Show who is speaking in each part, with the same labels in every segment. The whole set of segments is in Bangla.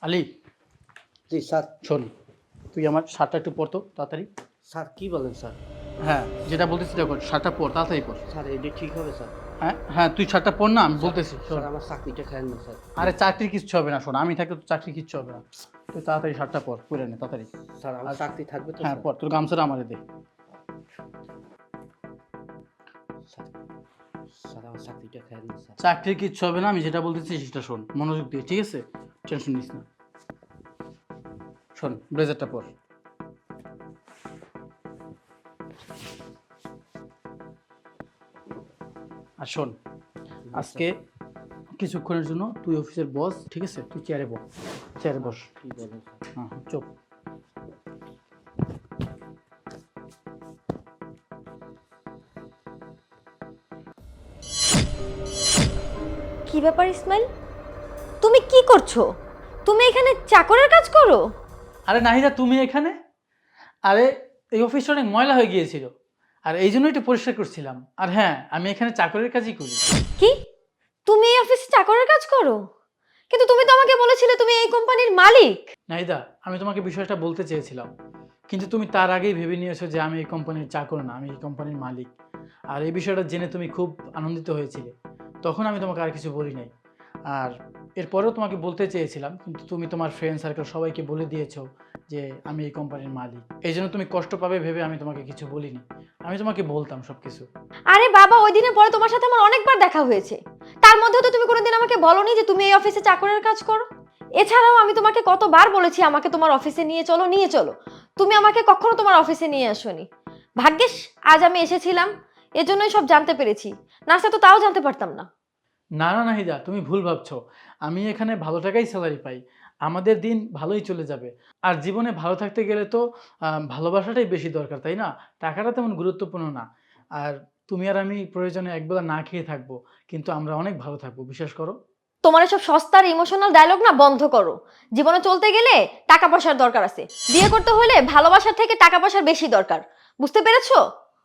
Speaker 1: আলী,
Speaker 2: জি স্যার।
Speaker 1: শোন, তুই আমার শার্টটা একটু পর তো তাড়াতাড়ি।
Speaker 2: স্যার কি বলেন স্যার?
Speaker 1: হ্যাঁ, যেটা বলতেছি দেখো, শার্টটা পর, তাড়াতাড়ি পর।
Speaker 2: স্যার এটা ঠিক হবে স্যার?
Speaker 1: হ্যাঁ হ্যাঁ, তুই শার্টটা পর না, আমি বলতেছি শোন।
Speaker 2: স্যার আমার চাকরিটা খায়েন না স্যার।
Speaker 1: আরে চাকরির কিচ্ছু হবে না, শোন, আমি থাকলে তো চাকরি কিচ্ছু হবে না। তুই তাড়াতাড়ি শার্টটা পর, পরে নে তাড়াতাড়ি।
Speaker 2: স্যার আমার চাকরি থাকবে তো
Speaker 1: হ্যাঁ
Speaker 2: স্যার?
Speaker 1: পর, তোর গামছাটা আমারে দে।
Speaker 2: স্যার স্যার আমার চাকরিটা খায়েন না স্যার।
Speaker 1: চাকরির কিচ্ছু হবে না, আমি যেটা বলতেছি সেটা শোন মনোযোগ দিয়ে, ঠিক আছে? টেনশন নিস না। শোন, ব্লেজারটা পর। আর শোন, আজকে কিছুক্ষণের জন্য তুই অফিসের বস, ঠিক আছে? তুই চেয়ারে বস, চেয়ারে বস।
Speaker 2: কি বলেন স্যার?
Speaker 1: হ্যাঁ চুপ।
Speaker 3: কি ব্যাপার ইসমাইল, তুমি কি করছো? তুমি এখানে চাকরের কাজ করো?
Speaker 1: আরে নাহিদা, তুমি এখানে? আরে এই অফিসটা অনেক ময়লা হয়ে গিয়েছিল, আর এই জন্যই একটু পরিষ্কার করছিলাম। আর হ্যাঁ, আমি এখানে চাকরের কাজই করি।
Speaker 3: কি, তুমি এই অফিসে চাকরের কাজ করো? কিন্তু তুমি তো আমাকে বলেছিলে তুমি এই কোম্পানির মালিক।
Speaker 1: নাহিদা, আমি তোমাকে বিষয়টা বলতে চেয়েছিলাম, কিন্তু তুমি তার আগেই ভেবে নিয়েছো যে আমি এই কোম্পানির চাকর না, আমি এই কোম্পানির মালিক। আর এই বিষয়টা জেনে তুমি খুব আনন্দিত হয়েছিলে, তখন আমি তোমাকে আর কিছু বলি নাই। আর এরপরেও তোমাকে বলতে চেয়েছিলাম, কিন্তু তুমি তোমার ফ্রেন্ড সার্কেল সবাইকে বলে দিয়েছো যে আমি এই কোম্পানির মালিক। এই জন্য তুমি কষ্ট পাবে ভেবে আমি তোমাকে কিছু বলিনি। আমি তোমাকে বলতাম সব কিছু।
Speaker 3: আরে বাবা, ওই দিনের পরে তোমার সাথে আমার অনেকবার দেখা হয়েছে, তার মধ্যেও তো তুমি কোনোদিন আমাকে বলোনি যে তুমি এই অফিসে চাকরের কাজ করো। এছাড়াও আমি তোমাকে কতবার বলেছি আমাকে তোমার অফিসে নিয়ে চলো নিয়ে চলো, তুমি আমাকে কখনো তোমার অফিসে নিয়ে আসোনি। ভাগ্যিস আজ আমি এসেছিলাম, এজন্যই সব জানতে পেরেছি, না তো তাও জানতে পারতাম না।
Speaker 1: না না নাহিদা, তুমি ভুল ভাবছো। আমি এখানে ভালো টাকাই স্যালারি পাই, আমাদের দিন ভালোই চলে যাবে। আর জীবনে ভালো থাকতে গেলে তো ভালোবাসাটাই বেশি দরকার, তাই না? টাকাটা তেমন গুরুত্বপূর্ণ না। আর তুমি আর আমি প্রয়োজনে একবেলা না খেয়ে থাকবো, কিন্তু আমরা অনেক ভালো থাকবো, বিশ্বাস করো।
Speaker 3: তোমার এসব সস্তার ইমোশনাল ডায়লগ না বন্ধ করো। জীবনে চলতে গেলে টাকা পয়সার দরকার আছে, বিয়ে করতে হলে ভালোবাসার থেকে টাকা পয়সার বেশি দরকার, বুঝতে পেরেছো?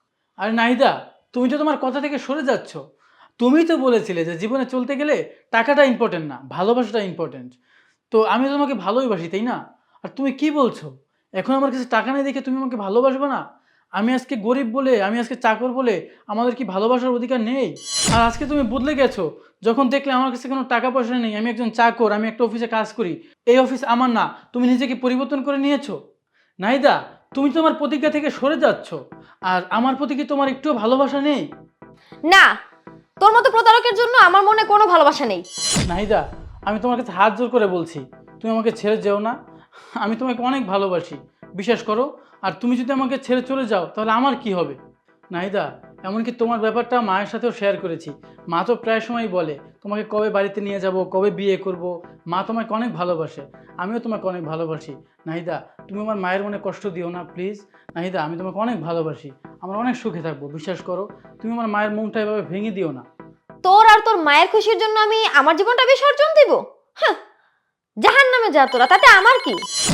Speaker 1: আর নাহিদা, তুমি তো তোমার কথা থেকে সরে যাচ্ছ। তুমিই তো বলেছিলে যে জীবনে চলতে গেলে টাকাটা ইম্পর্টেন্ট না, ভালোবাসাটা ইম্পর্টেন্ট। তো আমি তো তোমাকে ভালোই বাসি, তাই না? আর তুমি কি বলছো? এখন আমার কাছে টাকা নেই দেখে তুমি আমাকে ভালোবাসবে না? আমি আজকে গরিব বলে, আমি আজকে চাকর বলে আমাদের কি ভালোবাসার অধিকার নেই? আর আজকে তুমি বদলে গেছো, যখন দেখলে আমার কাছে কোনো টাকা পয়সা নেই, আমি একজন চাকর, আমি একটা অফিসে কাজ করি, এই অফিস আমার না, তুমি নিজেকে পরিবর্তন করে নিয়েছো। নাহিদা, তুমি তোমার প্রতিজ্ঞা থেকে সরে যাচ্ছ। আর আমার প্রতি কি তোমার একটুও ভালোবাসা নেই?
Speaker 3: না, তোর মতো প্রতারকের জন্য আমার মনে কোনো ভালোবাসা নেই।
Speaker 1: নাহিদা, আমি তোমার কাছে হাত জোর করে বলছি, তুমি আমাকে ছেড়ে যেও না। আমি তোমাকে অনেক ভালোবাসি, বিশ্বাস করো। আর তুমি যদি আমাকে ছেড়ে চলে যাও তাহলে আমার কি হবে? নাহিদা, এমনকি তোমার ব্যাপারটা মায়ের সাথেও শেয়ার করেছি। মা তো প্রায় সময় বলে তোমাকে কবে বাড়িতে নিয়ে যাব, কবে বিয়ে করব। মা তোমাকে অনেক ভালোবাসে, আমিও তোমাকে অনেক ভালোবাসি। নাহিদা, তুমি আমার মায়ের মনে কষ্ট দিও না প্লিজ। নাহিদা, আমি তোমাকে অনেক ভালোবাসি, আমরা অনেক সুখে থাকবো, বিশ্বাস করো। তুমি আমার মায়ের মনটা এভাবে ভেঙে দিও না।
Speaker 3: তোর আর তোর মায়ের খুশির জন্য আমি আমার জীবনটা বিসর্জন দিব? হ্যাঁ, জাহান্নামে যা তোরা, তাতে আমার কি?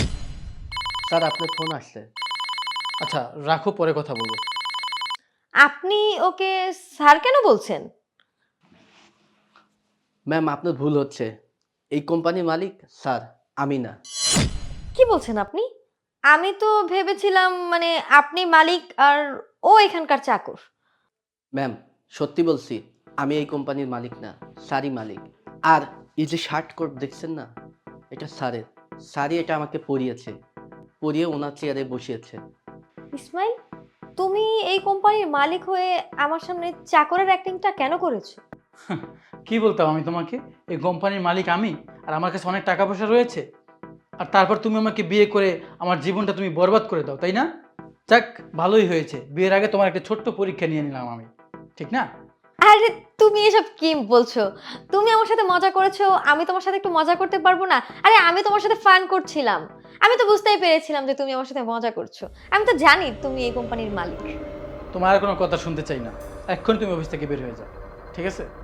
Speaker 2: স্যার আপনার ফোন আসছে।
Speaker 1: আচ্ছা রাখো, পরে কথা বলবো।
Speaker 3: আপনি ওকে স্যার কেন বলছেন?
Speaker 2: ম্যাম আপনার ভুল হচ্ছে, এই কোম্পানির মালিক স্যার, আমি না।
Speaker 3: কি বলছেন আপনি? আমি তো ভেবেছিলাম মানে আপনি মালিক আর ও এখানকার চাকর।
Speaker 2: ম্যাম সত্যি বলছি, আমি এই কোম্পানির মালিক না, স্যারই মালিক। আর এই যে শার্ট কোট দেখছেন না, এটা স্যারের। স্যারই এটা আমাকে পরিয়েছে, পরিয়ে ওনার চেয়ারে বসিয়েছে।
Speaker 3: ইসমাইল, তুমি এই কোম্পানির মালিক হয়ে আমার সামনে চাকরের অ্যাক্টিংটা কেন করেছো?
Speaker 1: কি বলতাম আমি তোমাকে? এই কোম্পানির মালিক আমি, আর আমার কাছে অনেক টাকা পয়সা রয়েছে। আর তারপর তুমি আমাকে বিয়ে করে আমার জীবনটা তুমি বরবাদ করে দাও, তাই না? যাক, ভালোই হয়েছে, বিয়ের আগে তোমার একটা ছোট্ট পরীক্ষা নিয়ে নিলাম আমি, ঠিক না?
Speaker 3: আরে তুমি এসব কি বলছো? তুমি আমার সাথে মজা করেছো, আমি তোমার সাথে একটু মজা করতে পারবো না? আরে আমি তোমার সাথে ফান করছিলাম, আমি তো বুঝতেই পেরেছিলাম যে তুমি আমার সাথে মজা করছো। আমি তো জানি তুমি এই কোম্পানির মালিক।
Speaker 1: তোমার আর কোনো কথা শুনতে চাই না, এক্ষুনি তুমি অফিস থেকে বের হয়ে যাও, ঠিক আছে?